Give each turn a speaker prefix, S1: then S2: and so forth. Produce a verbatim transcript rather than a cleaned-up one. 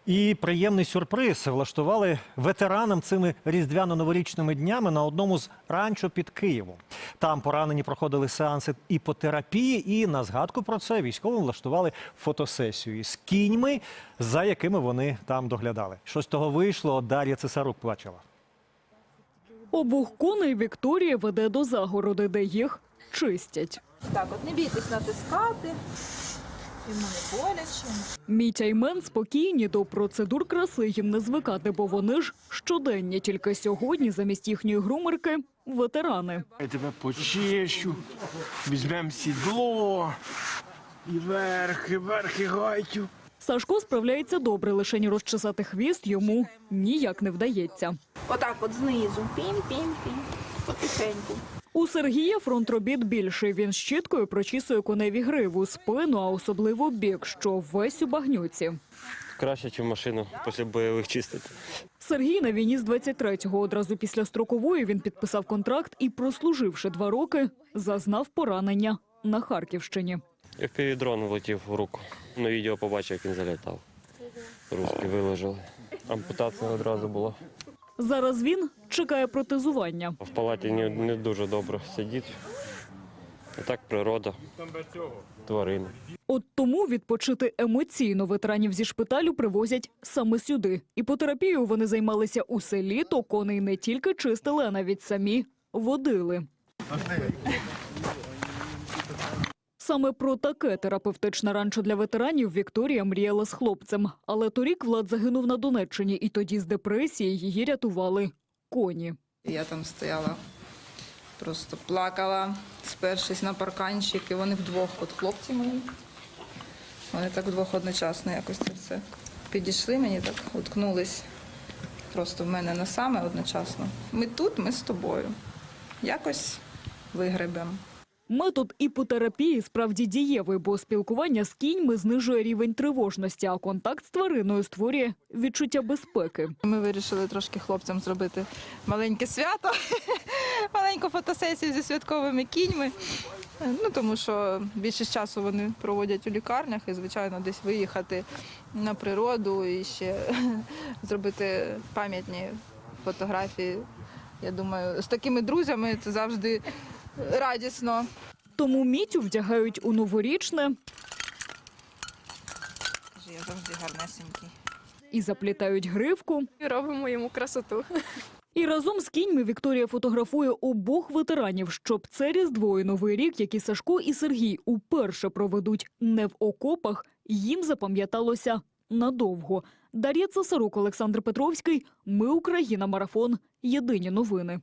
S1: І приємний сюрприз влаштували ветеранам цими різдвяно-новорічними днями на одному з ранчо під Києвом. Там поранені проходили сеанси іпотерапії, і на згадку про це військовим влаштували фотосесію із кіньми, за якими вони там доглядали. Що з того вийшло, Дар'я Цесарук бачила.
S2: Обох коней Вікторія веде до загороди, де їх чистять.
S3: Так, от не бійтесь натискати. Йому не боляче.
S2: Мітя й Мен спокійні, до процедур краси їм не звикати, бо вони ж щоденні. Тільки сьогодні замість їхньої грумерки – ветерани.
S4: Я тебе почищу, візьмемо сідло, і вверх, і вверх, і гайтю.
S2: Сашко справляється добре, лише ні розчесати хвіст йому ніяк не вдається.
S3: Отак от знизу. Пінь-пінь-пінь. Потихеньку.
S2: У Сергія фронт робіт більший. Він щіткою прочісує коневі гриву, спину, а особливо бік, що весь у багнюці.
S5: Краще, ніж машину після бойових чистити.
S2: Сергій на війні з двадцять третього. Одразу після строкової він підписав контракт і, прослуживши два роки, зазнав поранення на Харківщині.
S5: Я в півдрон влетів в руку. На відео побачив, як він залітав. Руски виложили. Ампутація одразу була.
S2: Зараз він чекає протезування.
S5: В палаті не, не дуже добре сидіти. А так природа, тварини.
S2: От тому відпочити емоційно ветеранів зі шпиталю привозять саме сюди. Іпотерапією вони займалися у селі, то коней не тільки чистили, а навіть самі водили. Саме про таке терапевтичне ранчо для ветеранів Вікторія мріяла з хлопцем. Але торік Влад загинув на Донеччині, і тоді з депресії її рятували коні.
S6: Я там стояла, просто плакала, спершись на парканчик, і вони вдвох, от хлопці мої, вони так вдвох одночасно якось це все підійшли, мені так уткнулись просто в мене носами одночасно. Ми тут, ми з тобою, якось вигребемо.
S2: Метод іпотерапії справді дієвий, бо спілкування з кіньми знижує рівень тривожності, а контакт з твариною створює відчуття безпеки.
S6: Ми вирішили трошки хлопцям зробити маленьке свято, маленьку фотосесію зі святковими кіньми. Ну, тому що більшість часу вони проводять у лікарнях і, звичайно, десь виїхати на природу і ще зробити пам'ятні фотографії. Я думаю, з такими друзями це завжди радісно.
S2: Тому Мітю вдягають у новорічне
S6: Я завжди гарнесенький.
S2: і заплітають гривку.
S7: І робимо йому красоту.
S2: І разом з кіньми Вікторія фотографує обох ветеранів, щоб це Різдво і Новий рік, які Сашко і Сергій уперше проведуть не в окопах, їм запам'яталося надовго. Дар'я Цесарук, Олександр Петровський. Ми Україна. Марафон. Єдині новини.